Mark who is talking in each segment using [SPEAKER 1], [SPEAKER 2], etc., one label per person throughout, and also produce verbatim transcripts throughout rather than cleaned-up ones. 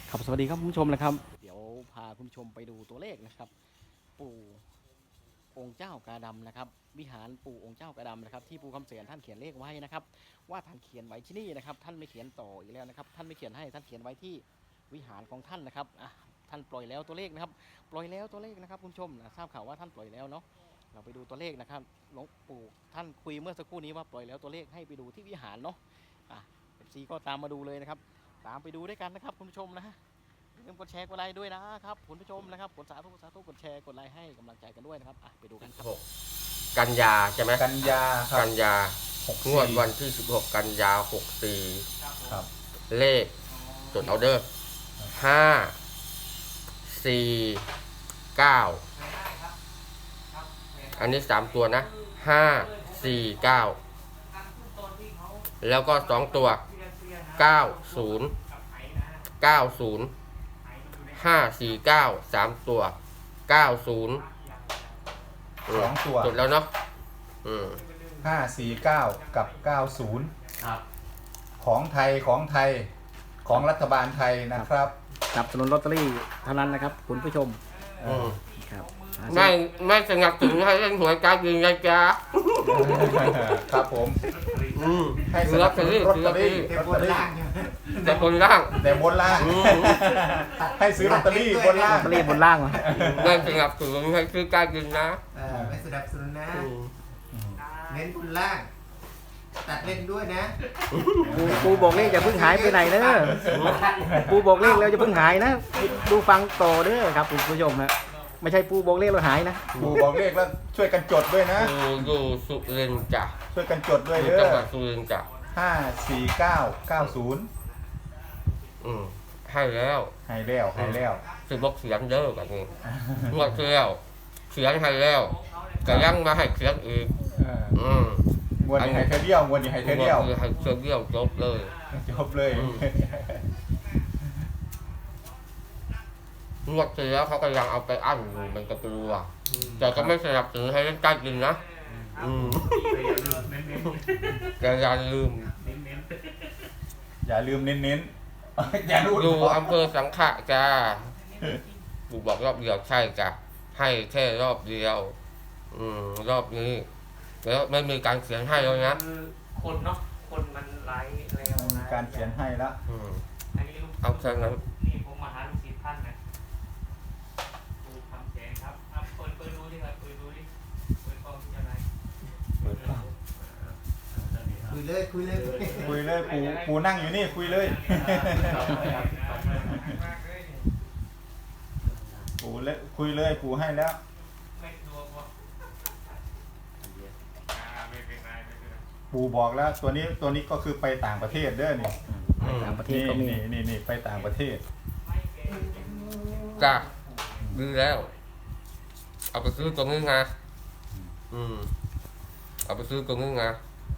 [SPEAKER 1] ครับสวัสดีครับคุณผู้ชมนะครับเดี๋ยวพาคุณผู้ชมไปดูตัวเลขนะครับปู่องค์เจ้ากาดำนะครับวิหารปู่องค์เจ้ากาดำนะครับที่ปู่คำเสียนท่านเขียนเลขไว้นะครับว่าท่านเขียนไว้ที่นี่นะครับท่านไม่เขียนต่ออีกแล้วนะครับท่านไม่เขียนให้ท่านเขียนไว้ที่วิหารของท่านนะครับอ่ะท่านปล่อยแล้วตัวเลขนะครับปล่อยแล้วตัวเลขนะครับคุณผู้ชมนะทราบข่าวว่าท่านปล่อยแล้วเนาะเราไปดูตัวเลขนะครับหลวงปู่ท่านคุยเมื่อสักครู่นี้ว่าปล่อยแล้วตัวเลขให้ไปดูที่วิหารเนาะอ่ะเอฟซีก็ตามมาดูเลยนะครับตามไปดูด้วยกันนะครับคุณผู้ชมนะอย่าลืมกดแชร์กดไลค์ด้วยนะครับคุณผู้ชมนะครับกดสาธุสาธุกดแชร์กดไลค์ให้กำลังใจกันด้วยนะครับอ่ะไปดูกันครับ
[SPEAKER 2] กันยาใช่ไหม
[SPEAKER 3] กันยาครับ
[SPEAKER 2] กันยา
[SPEAKER 3] หก
[SPEAKER 2] งวดวันที่สิบหกกันยาหกสี่
[SPEAKER 3] ครับ
[SPEAKER 2] เลขจดเอาเดอร์ห้าสี่เก้าอันนี้สามตัวนะห้าสี่เก้าแล้วก็สองตัวเก้าศูนย์เก้าศูนย์ห้าสี่เก้าสามตัวเก้าศูนย์
[SPEAKER 3] สองตัว
[SPEAKER 2] จดแล้วเนาะอืม
[SPEAKER 3] ห้าสี่เก้ากับเก้าศูนย์
[SPEAKER 1] ครับ
[SPEAKER 3] ของไทยของไทยของรัฐบาลไทยนะครับ
[SPEAKER 1] จับสนุนลอตเตอรี่เท่านั้นนะครับคุณผู้ชม
[SPEAKER 2] อืม
[SPEAKER 1] ครับ
[SPEAKER 2] ไม่ไม่สนับสนุนให้เล่นหวยการกินนะจ๊ะ
[SPEAKER 3] ครับผม
[SPEAKER 2] อืม
[SPEAKER 3] ให้ส
[SPEAKER 2] ซื้อล
[SPEAKER 3] นั
[SPEAKER 2] อบ ต
[SPEAKER 3] ส
[SPEAKER 2] เตอ
[SPEAKER 3] นุน
[SPEAKER 2] รี่
[SPEAKER 3] ลอต
[SPEAKER 2] ซื้อ
[SPEAKER 3] เต
[SPEAKER 2] ล
[SPEAKER 3] อ
[SPEAKER 2] อตเตอ
[SPEAKER 3] รี่
[SPEAKER 2] รี่
[SPEAKER 3] ลอตเตอรี่
[SPEAKER 2] แต่คนล่าง
[SPEAKER 3] แต่บนล่าง
[SPEAKER 2] อืม
[SPEAKER 3] ให้ซื้อลอตเตอรี่บน
[SPEAKER 1] ล
[SPEAKER 3] ล่า
[SPEAKER 1] อง ตเตอรี่บนล่างวะ
[SPEAKER 2] ไม่สนับสนุนให้ซื้อการกินนะ
[SPEAKER 4] เออไม่สนับสนุนนะ
[SPEAKER 2] อืม
[SPEAKER 4] เน้นบุญล่าง ตัดเล่นด้วยนะ
[SPEAKER 1] ปูปูบอกเลขอย่าเพิ่งหายไปไหนเด้อปูบอกเลขแล้วอย่าเพิ่งหายนะดูฟังต่อเด้อครับคุณผู้ชมฮะไม่ใช่ปูบอกเลขแล้วหายนะ
[SPEAKER 3] ปู่บอกเลขแล้วช่วยกันจดด้วยนะ
[SPEAKER 2] อยู่อยู่สุรินทร์จ้ะ
[SPEAKER 3] ช่วยกันจดด้วย
[SPEAKER 2] อยู่
[SPEAKER 3] เด้
[SPEAKER 2] จังห
[SPEAKER 3] อ
[SPEAKER 2] วัดสุรินทร์จ้ะ
[SPEAKER 3] ห้าสี่เก้าเก้าศูนย์
[SPEAKER 2] อืมให้แล้ว
[SPEAKER 3] ให้แล้วให้แล้ว
[SPEAKER 2] สิบอกเสียงเด้อแบบนี้งวดที่แล้วเสียงให้แล้วแต่ยังมาให้เสียงอีก
[SPEAKER 3] เออ
[SPEAKER 2] อืม
[SPEAKER 3] งวดนี้ให้เธอเดียวงวดนี้ให้เธอเดียว
[SPEAKER 2] คือให้เสียงเดียวจบเลย
[SPEAKER 3] จบเลย
[SPEAKER 2] อืม งวดที่แล้วเขาก็ยังเอาไปอั้นอยู่มันก็กลัวแต่ก็ไม่สนับสนุนให้เล่นการกินนะอืมแต่อย่าลืม
[SPEAKER 3] อย่าลืมเน้นๆอย่าลืม
[SPEAKER 2] อยู่อำเภอสังขะจ้ากูบอกรอบเดียวใช่จ้ะให้แค่รอบเดียว อืมรอบนี้แล้วไม่มีการเขียนให้แล้วนะ
[SPEAKER 5] คือคนเนาะ คนมันไลฟ์แล้ว
[SPEAKER 3] มี
[SPEAKER 5] นะ
[SPEAKER 3] การเขียนให้แล้ว
[SPEAKER 2] อืม
[SPEAKER 5] อันนี้ลูก
[SPEAKER 2] เอาแค่นั้น
[SPEAKER 5] นี่ผมมาหาลูกศิษย์ท่านนะดูคำแสงครับอ่ะเปิดเปิดดูดิครับเปิดดูดิเปิดกล้องที่อะไร
[SPEAKER 3] เปิดกล้อง
[SPEAKER 4] คุยเลยคุยเลย
[SPEAKER 3] คุยเลยปูปูนั่งอยู่นี่คุยเลยปูเลยคุยเลยปูให้แล้ว
[SPEAKER 5] ไม่ดูว่าอ่าไม่เป็นไรไม่เป็นไร
[SPEAKER 3] ปูบอกแล้ว ตัวนี้ตัวนี้ก็คือไปต่างประเทศเด้อนี่
[SPEAKER 1] ต่างประเทศ
[SPEAKER 3] นี่
[SPEAKER 1] ก็มี
[SPEAKER 3] นี่นี่นี่ไปต่างประเทศ
[SPEAKER 2] จ้ะดีแล้ว เอาไปซื้อตรงนี้ไงอืมเอาไปซื้อตรงนี้ไง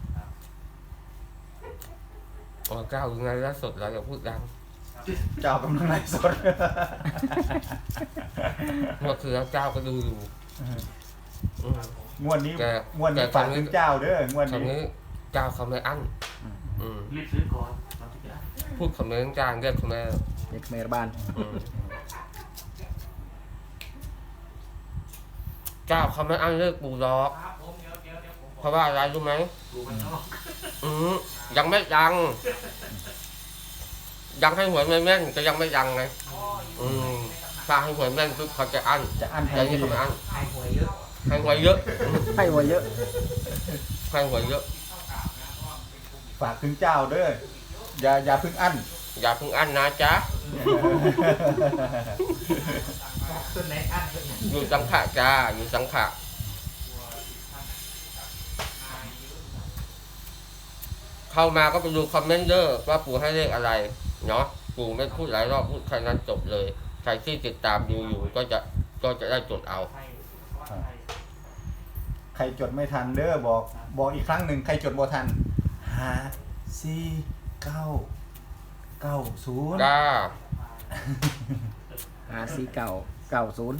[SPEAKER 2] อ๋อเจ้ายังไงล่าสดเราอย่าพูดดัง
[SPEAKER 3] เจ้ากำลังไลฟ์สด
[SPEAKER 2] เมื่อคืนเจ้าก็ดูอยู่อืม
[SPEAKER 3] งวดนี้
[SPEAKER 2] แก
[SPEAKER 3] งวดนี้
[SPEAKER 2] แก
[SPEAKER 3] ฝาก
[SPEAKER 2] ทำนี้
[SPEAKER 3] ถึงเจ้าเด้องวด
[SPEAKER 2] คำ
[SPEAKER 3] นี้
[SPEAKER 2] นี้เจ้าเขาไม่อั้นอืม
[SPEAKER 5] รีบซื้อก่อนตอนที่จะ
[SPEAKER 2] พูดคำนี้จ้างเรียกคำนี้
[SPEAKER 1] เด็กเมรบาน
[SPEAKER 2] อืมเจ้าเขาไม่อั้นเลิกปูดอก
[SPEAKER 5] ครับผมเดี๋ยวเดี๋ยวเดี๋ยวผม
[SPEAKER 2] เพราะว่าอะไรรู้ไหม
[SPEAKER 5] ดูมันนอก
[SPEAKER 2] อืมยังไม่ยัง ยังให้หวยไม่แม่นก็ยังไม่ยังไงอืมถ้าให้หวยแม่นปุ๊บเขาจะอั้น
[SPEAKER 3] จะอั้นให้
[SPEAKER 2] แต่นี่เขาไม่อั้น
[SPEAKER 4] ไอ้หวยเยอะ
[SPEAKER 2] ให้หวยเยอะ
[SPEAKER 1] ให้หัวเยอะ
[SPEAKER 2] ให้หวยเยอะ
[SPEAKER 3] ฝากถึงเจ้าเด้ออย่าอย่าเพิ่งอั้น
[SPEAKER 2] อย่าเพิ่งอั้นนะจ๊ะ
[SPEAKER 4] ต้นไหนอันต้นไหน
[SPEAKER 2] อยู่สังขะจ้าอยู่สังขะเข้ามาก็ไปดูคอมเมนต์เดอร์ว่าปู่ให้เลขอะไรเนาะปู่ไม่พูดหลายรอบพูดแค่นั้นจบเลยใครที่ติดตามดูอยู่ก็จะก็จะได้จดเอา
[SPEAKER 5] ให้
[SPEAKER 3] ใครจดไม่ทันเด้อบอกบอกอีกครั้งหนึ่งใครจดบ่ทันห้าสี่เก้าเก้าศูนย์
[SPEAKER 2] จ้า
[SPEAKER 1] หาซีเก่าเก่าศูนย์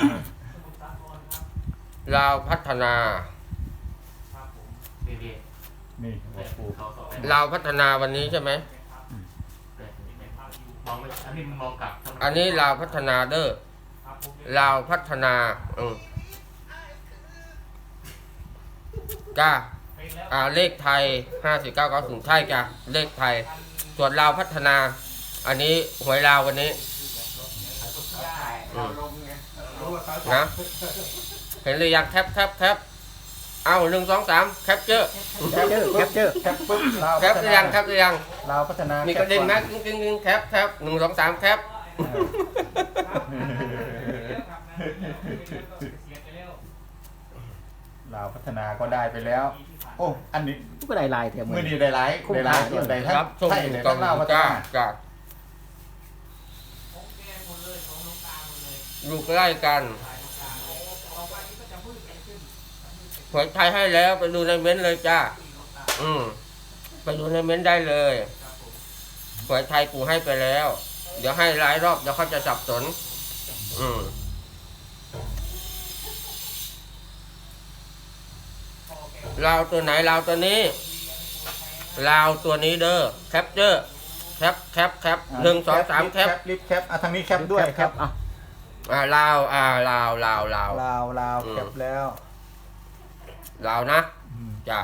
[SPEAKER 2] ลาวพัฒนา
[SPEAKER 5] ครับผมเบเบ้
[SPEAKER 3] นี่บอกปู
[SPEAKER 5] เขาสอง
[SPEAKER 2] ลาวพัฒนาวันนี้ใช่ไหม
[SPEAKER 5] แต่ไม่ภาพอยู่มองไม่อันนี้มันมองกลับทำไม
[SPEAKER 2] อันนี้ลาวพัฒนาเด้อ
[SPEAKER 5] ครับผม
[SPEAKER 2] ลาวพัฒนาอืมจ้า
[SPEAKER 5] ไปแล้ว
[SPEAKER 2] อ่าเลขไทยห้าสี่เก้าเก้าศูนย์ใช่จ้ะเลขไทย ส่วนลาวพัฒนา อันนี้หวยลาววันนี้
[SPEAKER 4] เราลงไงรู้ว่าเขาจะ
[SPEAKER 2] นะ เห็นหรือยังแคปแคปแคปเอาหนึ่งสองสามแคปเจอร์
[SPEAKER 3] แคปเจอร์แคปเจอร์แคปปุ๊บลาว
[SPEAKER 2] แคปหรือยังแคปหรือยัง
[SPEAKER 3] ลาวพัฒนา
[SPEAKER 2] มี
[SPEAKER 3] มี
[SPEAKER 2] กระดิ่งไหมกึ่งกึ่งกึ่งแคปแคปหนึ่งสองสามแคป
[SPEAKER 3] ลาวพัฒนาก็ได้ไปแล้ว โอ้อันนี้
[SPEAKER 1] ก็ได้ลายแถม
[SPEAKER 3] มือดีได้หลายได้หลายส่วนใดทั้ง
[SPEAKER 2] ครับส่ง
[SPEAKER 3] ไทย
[SPEAKER 2] ถึง
[SPEAKER 3] ได้
[SPEAKER 2] กล่อ
[SPEAKER 3] ทั้
[SPEAKER 2] ง
[SPEAKER 3] งลาวพัฒ
[SPEAKER 2] จ้า
[SPEAKER 3] นา
[SPEAKER 2] จ้า
[SPEAKER 5] ของแกหมดเลยของน้องตาหมดเลย
[SPEAKER 2] อยู่ใกล้กัน
[SPEAKER 5] สายน้องตาต่อไปนี้ก็จะมืดไปขึ้น
[SPEAKER 2] หวยไทยให้แล้วไปดูในเม้นต์เลยจ้า
[SPEAKER 5] ที่น้องตา
[SPEAKER 2] อืมไปดูในเม้นต์ได้เลย
[SPEAKER 5] ครับผม
[SPEAKER 2] หวยไทยกูให้ไปแล้ว เดี๋ยวให้หลายรอบเดี๋ยวเขาจะสับสน อืม
[SPEAKER 5] พอแก
[SPEAKER 2] ลาวตัวไหนลาวตัวนี้ลาวตัวนี้เด้อแคปเจอร์แคปแคปแคปหนึ่งสองสามแคป
[SPEAKER 3] รีบแคปอ่ะทางนี้แคปด้วย
[SPEAKER 1] แคปอ่ะ
[SPEAKER 2] อ่าลาวอ่าลาวลาวลาว
[SPEAKER 3] ลาวลาว
[SPEAKER 2] อืม
[SPEAKER 3] แคปแล้ว
[SPEAKER 2] ลาวนะ
[SPEAKER 3] อืม
[SPEAKER 2] จ้ะ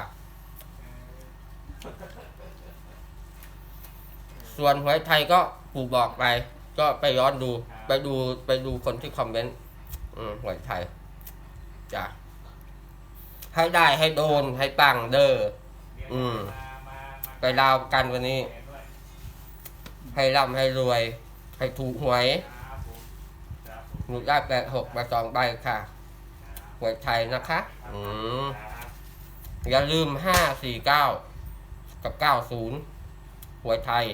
[SPEAKER 2] ส่วนหวยไทยก็ปูบอกไป ก็ไปย้อนดู ไปดูไปดูคนที่คอมเมนต์อืมหวยไทยจ้ะให้ได้ให้โดนให้ปังเด้อ อืม
[SPEAKER 5] มามามา
[SPEAKER 2] ไปลาวกันวันนี้
[SPEAKER 5] แกด้วย
[SPEAKER 2] ให้ร่ำให้รวย ให้ถูกหวย
[SPEAKER 5] ครับผมครับผม
[SPEAKER 2] หนูได้แปดหกมาสองใบค่ะหวยไทยนะคะ อืม
[SPEAKER 5] ครับ
[SPEAKER 2] อย่าลืมห้าสี่เก้ากับเก้าศูนย์หวยไทย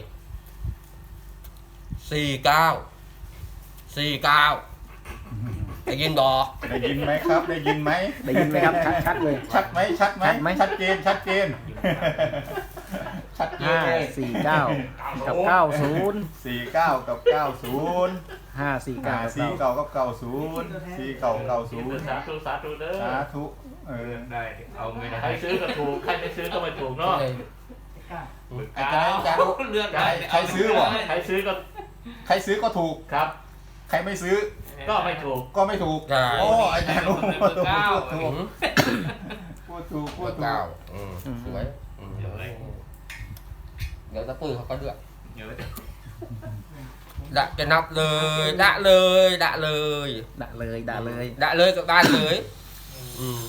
[SPEAKER 2] สี่เก้าสี่เก้าได้ยินบอ
[SPEAKER 3] ได้ยินไหมครับ ได้ยินไหม
[SPEAKER 1] ได้ยินไหมครับชัดชัดๆเลย
[SPEAKER 3] ชัดไหมชัดไหม
[SPEAKER 1] ชัดไหม
[SPEAKER 3] ชัดเจนชัดเจนชัดเจ
[SPEAKER 1] ห้าน
[SPEAKER 3] เลย
[SPEAKER 1] สี่เก้ากับเก้าศูนย์
[SPEAKER 3] สี่เก้ากับเก้าศูนย์
[SPEAKER 1] ห้าสี่เก้า
[SPEAKER 3] อ่า
[SPEAKER 1] กับ
[SPEAKER 3] สี่
[SPEAKER 1] เก้า
[SPEAKER 3] เก้ากับเก้าศูนย์สี่เก้าเก้าศูนย์
[SPEAKER 5] สาธุสาธุเด้อ
[SPEAKER 3] สาธุเออ
[SPEAKER 5] ได้เอาเงินใครซื้อก็ถูกใครไม่ซื้อก็ไม่ถูกเนาะ
[SPEAKER 3] ไอ้ใจจารุ
[SPEAKER 5] เลือกได้
[SPEAKER 3] ใครซื้อวะ
[SPEAKER 5] ใครซื้อก็
[SPEAKER 3] ใครซื้อก็ถูก
[SPEAKER 5] ครับ
[SPEAKER 3] ใครไม่ซื้อ
[SPEAKER 5] ก็ไม่ถูก
[SPEAKER 3] ก็ไม่ถูก
[SPEAKER 2] ใช่
[SPEAKER 3] โอ้อาจารย์รู้
[SPEAKER 5] เบอร์เก้า
[SPEAKER 3] พูดถูกพูดถูกพู
[SPEAKER 2] หัว
[SPEAKER 3] ดถู
[SPEAKER 2] เก้าก อืมสวยอืม
[SPEAKER 5] เดี๋ยวเลย
[SPEAKER 2] เดี๋ยวตะปื้อเขาก็เลือก
[SPEAKER 5] เดี๋ยว
[SPEAKER 2] ดะจะนับเลย ดะเลยดะเลย
[SPEAKER 1] ด่าเลยด่าเลย
[SPEAKER 2] ดะเลยกับบ้านเลย อืม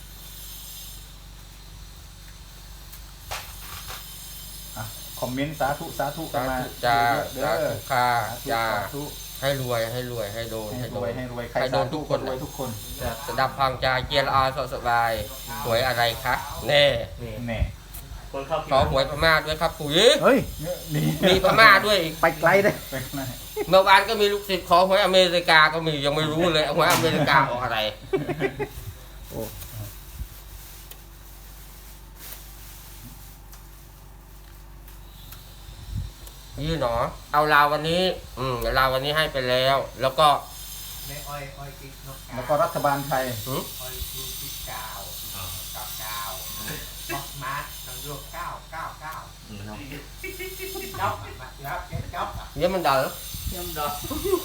[SPEAKER 3] อ่ะคอมเมนต์สาธุสาธุกัน
[SPEAKER 2] สา
[SPEAKER 3] มา
[SPEAKER 2] ธุจ้า
[SPEAKER 3] เด้
[SPEAKER 2] สา
[SPEAKER 3] อ
[SPEAKER 2] ธุค่ะ
[SPEAKER 3] สาธุ
[SPEAKER 2] จ้า
[SPEAKER 3] สาธุ
[SPEAKER 2] ให้รวยให้รวยให้โดน
[SPEAKER 3] ให้
[SPEAKER 2] ให้
[SPEAKER 3] ร
[SPEAKER 2] โด
[SPEAKER 3] วย
[SPEAKER 2] น
[SPEAKER 3] ให้รวยใคร
[SPEAKER 2] ให้โด
[SPEAKER 3] สาน
[SPEAKER 2] ทุ
[SPEAKER 3] ธุ
[SPEAKER 2] ก
[SPEAKER 3] ค
[SPEAKER 2] คน
[SPEAKER 3] นรวยทุกคน
[SPEAKER 2] สดับพังจาเกียร์อาสสบายหวยอะไรคะแน่
[SPEAKER 3] แน่
[SPEAKER 5] คนเข้า
[SPEAKER 2] ขอหวยพม่าด้วยครับปุ๋ย
[SPEAKER 1] เฮ้ย
[SPEAKER 3] นี่
[SPEAKER 2] มีพม่าด้วยอีก
[SPEAKER 1] ไปไกลเลย
[SPEAKER 3] ไปข้างใน
[SPEAKER 2] เมื่อวานก็มีลูกศิษย์ขอหวยอเมริกาก็มียังไม่รู้เลยหวยอเมริกาออกอะไร
[SPEAKER 1] โอ้
[SPEAKER 2] ยี่หนอ เอาลาววันนี้ อืมลาววันนี้ให้ไปแล้ว แล้วก็
[SPEAKER 4] ในอ้อยอ้อยกิ๊กนก
[SPEAKER 3] แล้วก็รัฐบาลไทย
[SPEAKER 2] หืม
[SPEAKER 4] อ้อยกิ๊กกิ๊กกาวเก้าเก้าบอกมาทางรวมเก้าเก้าเก้าจ๊อบมาจ๊อบเจ๊จ๊อบอ่ะ
[SPEAKER 2] เยี่ยมันเดอ
[SPEAKER 5] ย่ำดอก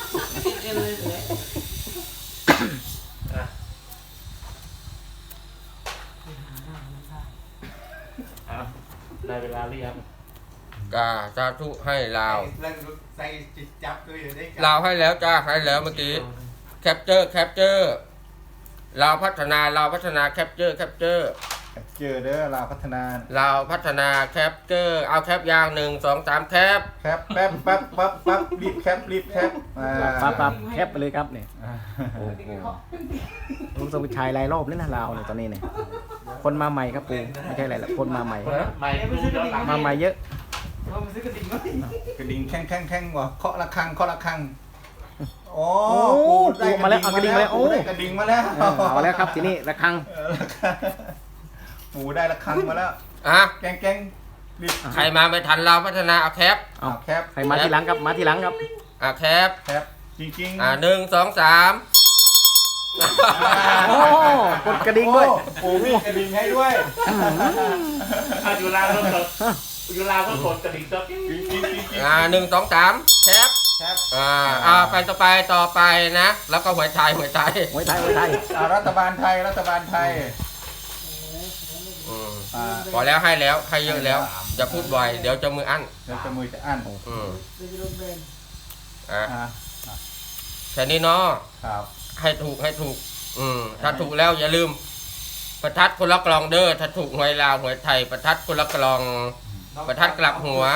[SPEAKER 5] ได้เวลาเรียก
[SPEAKER 2] กาสาธุให้ลาว
[SPEAKER 4] เรื่องใส่จิตจับด้วยอยู่ได้
[SPEAKER 2] ลาวให้แล้วจ้าให้แล้วเมื่อกี้แคปเจอร์แคปเจอร์ลาวพัฒนาลาวพัฒนาแคปเจอร์แคปเจอร์
[SPEAKER 3] เจอเด้อลาวพัฒนา
[SPEAKER 2] ลาวพัฒนาแคปเจอร์เอาแคปยางหนึ่งสองสามแคป
[SPEAKER 3] แคปแป๊บแป๊บปั๊บปั๊บรีบแคปรีบแคปอ่า
[SPEAKER 1] ปั๊บปั๊บแคปไปเลยครับเนี่ย
[SPEAKER 3] อ่า
[SPEAKER 1] โอ้โหลุงสมุชายหลายรอบแล้วนะลาวเนี่ยตอนนี้เนี่ยคนมาใหม่ครับปูไม่ใช่อะไรหรอกคนมาใหม่
[SPEAKER 5] ไม่รู้ย้อนหลัง
[SPEAKER 1] มาใหม่เยอะ
[SPEAKER 3] กระดิ่งแข้งแข้งแข้งว่ะเคาะระฆังเคาะระฆังโอ้
[SPEAKER 1] โอ้
[SPEAKER 3] ปูได้
[SPEAKER 1] ปูมาแล้วเอากระดิ่งมาแล้วโอ้
[SPEAKER 3] ปูได้กระดิ่งมาแล้ว
[SPEAKER 1] เออเอาแล้วครับทีนี้ระฆัง
[SPEAKER 3] เออระฆังปูได้ระฆังมาแล้ว
[SPEAKER 2] อ่ะ
[SPEAKER 3] แกงแกงรีบ
[SPEAKER 2] ใครมาไม่ทันลาวพัฒนาเอาแคป
[SPEAKER 1] เอา
[SPEAKER 3] เอาแคป
[SPEAKER 1] ใครมาทีหลังครับมาทีหลังครับ
[SPEAKER 2] อ่ะแคป
[SPEAKER 3] แคปจริงๆ
[SPEAKER 2] อ่ะหนึ่งสองสาม
[SPEAKER 1] โอ้กดกระดิ่งด้วย
[SPEAKER 3] โอ้ปูมีกระดิ่งให้ด้วย
[SPEAKER 5] อ่ะอยู่ลาวก็กดอยู่ลาวก็กดกระดิ่งก็
[SPEAKER 3] จริงจริงจริงจริง
[SPEAKER 2] อ่าหนึ่งสองสามแคป
[SPEAKER 3] แคป
[SPEAKER 2] อ่าอ่าไปต่อไปต่อไปนะ แล้วก็หัวใจหัวใจ
[SPEAKER 1] ไว้ไทยไว้ไทย
[SPEAKER 3] อ่ารัฐบาลไทยรัฐบาลไทย
[SPEAKER 2] อืม
[SPEAKER 3] อ่า
[SPEAKER 2] พอแล้วให้แล้วให้เยอะแล้วอย่าพูดบ่อยเดี๋ยวจะมืออั้น
[SPEAKER 3] เดี๋ยวจะมือจะอั้น
[SPEAKER 2] อืมอ่ะ
[SPEAKER 3] อ่า
[SPEAKER 2] แค่นี้เนาะ
[SPEAKER 3] ครับ
[SPEAKER 2] ให้ถูกให้ถูก อืมถ้าถูกแล้วอย่าลืม ประทัดคนละกลองเด้อถ้าถูกหวยลาวหวยไทยประทัดคนละกลอง ประทัดกลับหัว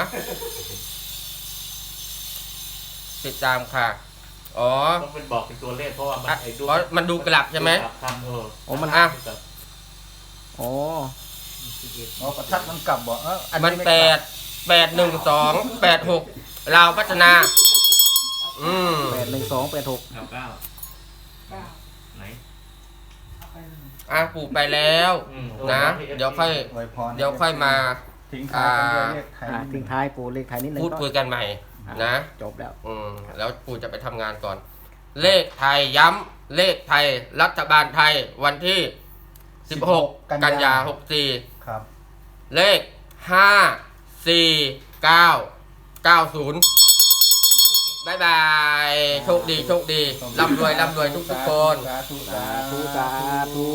[SPEAKER 2] ติดตามค่ะ อ๋อ
[SPEAKER 5] ต้องเป็นบอกเป็นตัวเลขเพราะว่ามัน
[SPEAKER 2] อ่ะ
[SPEAKER 5] ไอ้ดู
[SPEAKER 2] เพราะมันดูกลับใช่ไหม
[SPEAKER 5] ทำเออ
[SPEAKER 1] โอ้มัน
[SPEAKER 2] อ่ะ
[SPEAKER 1] โอ้
[SPEAKER 3] อ๋อประทัดมันกลับบ่เอออั
[SPEAKER 2] มัน
[SPEAKER 3] ไ
[SPEAKER 2] แปดแปดหนึ่งสองแปดหกลาวพัฒนา อืม
[SPEAKER 1] แปดหนึ่งสองแปดหก
[SPEAKER 5] เก้าเก้าไหน
[SPEAKER 2] อ่ะปลูกไปแล้ว
[SPEAKER 5] อืม
[SPEAKER 2] นะ เดี๋ยวค่อย
[SPEAKER 3] อวยพร
[SPEAKER 2] เดี๋ยวค่อยมา
[SPEAKER 3] ทิ้งท้ายกันด้วยเลขไทย
[SPEAKER 1] อ่าทิ้งท้ายปูเลขไทยนิดนึง
[SPEAKER 2] พูดคุยกันใหม่ นะ
[SPEAKER 1] จบแล้ว
[SPEAKER 2] อืมแล้วปูจะไปทำงานก่อน เลขไทยย้ำเลขไทยรัฐบาลไทยวันที่สิบหกกันยาหกสี่
[SPEAKER 3] ครับ
[SPEAKER 2] เลขห้าสี่เก้าเก้าศูนย์บายบาย โชคดีโชคดีร่ำรวยร่ำรวยทุกทุกๆคน
[SPEAKER 3] สาธุ
[SPEAKER 1] สาธุสาธุ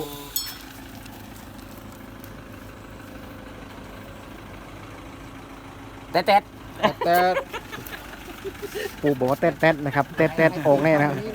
[SPEAKER 1] แต๊ดแต๊ดแต๊ดปูบอกว่าแต๊ดแต๊ดนะครับแต๊ดแต๊ดโอ่งแน่นะครับ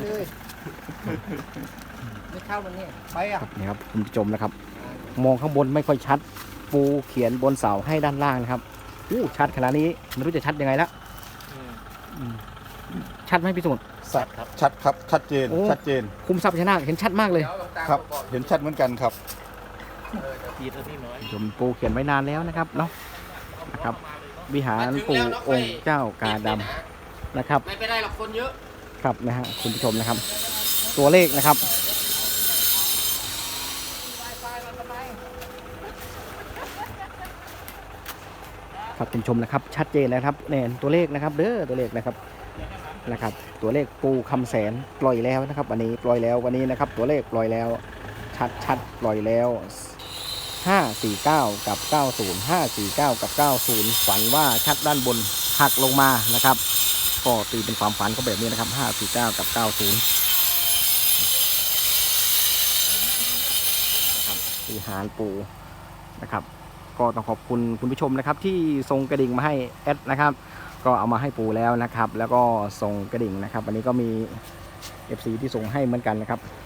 [SPEAKER 4] ไม่เข้ามันเนี่ยไปอ่ะ
[SPEAKER 1] นี่ครับคุณผู้ชมนะครับ มองข้างบนไม่ค่อยชัด ปูเขียนบนเสาให้ด้านล่างนะครับอู้ชัดขนาดนี้ไม่รู้จะชัดยังไงละอืมชัดไหมพี่สมุทร
[SPEAKER 3] ชัดชัดครับชัดเจน
[SPEAKER 1] โอ้
[SPEAKER 3] ชัดเจน
[SPEAKER 1] คุมทรัพย์พญานาคเห็นชัดมากเลย
[SPEAKER 3] ครับ เห็นชัดเหมือนกันครับ
[SPEAKER 5] พีดที่น้อย
[SPEAKER 1] ชมปูเขียนไว้นานแล้วนะครับเนาะนะครับ วิหารปู่องค์เจ้ากาดำนะครับ
[SPEAKER 2] ไม่ไปได้หรอกคนเยอะ
[SPEAKER 1] ครับนะฮะคุณผู้ชมนะครับ ตัวเลขนะครับครับคุณผู้ชมนะครับ ชัดเจนนะครับเนี่ยตัวเลขนะครับเด้อตัวเลขนะครับนะครับ ตัวเลขปูคำแสนปล่อยแล้วนะครับ วันนี้ปล่อยแล้ววันนี้นะครับ ตัวเลขปล่อยแล้ว ชัดชัดปล่อยแล้วห้าสี่เก้ากับเก้าศูนย์ ห้าสี่เก้ากับเก้าศูนย์ฝันว่าชัดด้านบนหักลงมานะครับ ก็ตีเป็นความฝันก็แบบนี้นะครับห้าสี่เก้ากับเก้าศูนย์นะครับวิหารปูนะครับ ก็ต้องขอบคุณคุณผู้ชมนะครับ ที่ส่งกระดิ่งมาให้แอดนะครับ ก็เอามาให้ปูแล้วนะครับ แล้วก็ส่งกระดิ่งนะครับ วันนี้ก็มี เอฟ ซี ที่ส่งให้เหมือนกันนะครับ